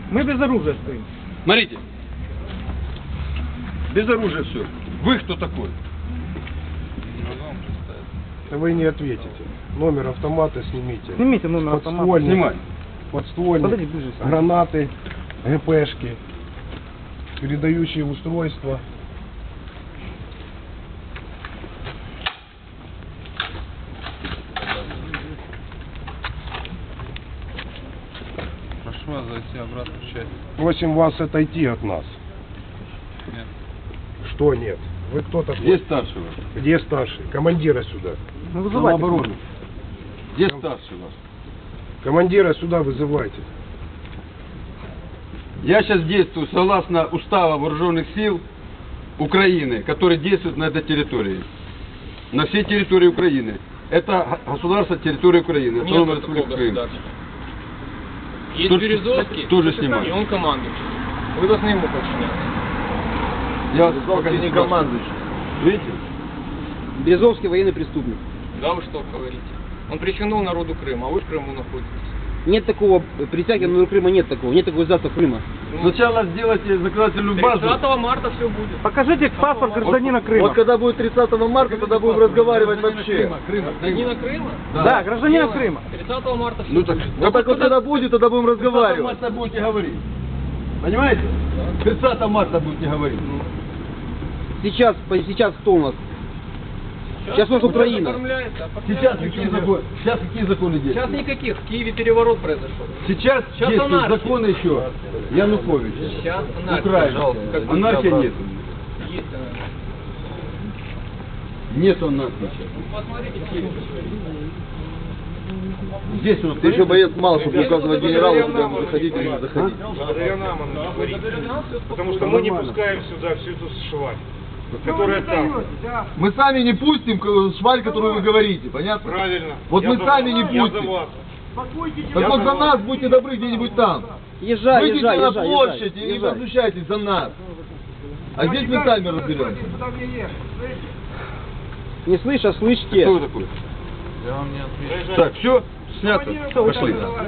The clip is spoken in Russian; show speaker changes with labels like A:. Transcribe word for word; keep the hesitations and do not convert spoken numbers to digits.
A: Мы без оружия стоим.
B: Смотрите. Без оружия все. Вы кто такой?
C: Вы не ответите. Номер автомата снимите.
A: Снимите номер автомата.
C: Подствольник,
B: Снимай.
C: подствольник,
A: Подойди ближе, снимай.
C: гранаты, ГПшки, передающие устройства.
D: Прошу вас зайти обратно в часть.
C: Просим вас отойти от нас.
D: Нет.
C: Что нет? Вы кто такой?
B: Где старший ваш?
C: Где старший? Командира сюда.
A: Ну, вызывайте.
B: Самообороны. Где старший ваш?
C: Командира сюда вызывайте.
B: Я сейчас действую согласно устава вооруженных сил Украины, который действует на этой территории. На всей территории Украины. Это государство территории Украины. Автономная Республика Крым.
E: Есть
B: Тут
E: Березовский,
B: тоже
E: и
B: снимаю.
E: он командующий. Вы должны ему подчиняться.
B: Я вас пока не командующий. Видите?
F: Березовский военный преступник.
E: Да вы что говорите? Он причинил народу Крыма, а вы в Крыму находитесь.
F: Нет такого, присяги на Крыма нет такого, нет такого государства Крыма.
B: Сначала сделайте законодательную базу.
E: тридцатого марта все будет.
A: Покажите паспорт гражданина Крыма.
F: Вот когда будет тридцатого марта, тогда будем разговаривать вообще.
E: Гражданина Крыма?
A: Да, гражданина Крыма.
E: тридцатого марта все
B: Ну так,
E: будет.
F: Вот так вот когда будет, тогда будем разговаривать.
B: марта будете говорить. Понимаете? тридцатого марта будете говорить.
F: Сейчас, по- сейчас кто у нас? Сейчас у нас Украина.
E: Оформляется,
B: Сейчас
E: оформляется.
B: какие законы? Сейчас какие законы
E: Сейчас
B: действуют?
E: никаких. В Киеве переворот произошел.
B: Сейчас,
E: Сейчас
B: действуют
E: анархия.
B: законы еще. Янукович.
E: Сейчас анархия.
B: Украина.
E: Как
B: Анархия нет.
E: Есть анархия.
B: Нет анархии сейчас.
E: Посмотрите Киев.
B: Здесь у нас
F: Ты еще боец мало, чтобы указывать генералу, куда ему заходить или не заходить.
G: Благодаря нам оно говорит. Потому что мы не пускаем сюда всю эту шваль, которая там.
H: Мы сами не пустим к- шваль, которую вы говорите, понятно?
G: Правильно.
H: Вот
G: Я
H: мы
G: за
H: сами
G: вас.
H: не
G: Я за
H: пустим.
G: вас.
H: Так вот за нас будьте добры где-нибудь там.
F: Езжай,
H: Выйдите
F: езжай,
H: на
F: езжай,
H: площадь
F: езжай,
H: и
F: езжай.
H: возмущайтесь за нас. А здесь мы сами разберемся.
F: Не слышь, а слышите.
B: Кто вы такой?
D: Я вам не отвечу.
B: Так, все, снято. Пошли.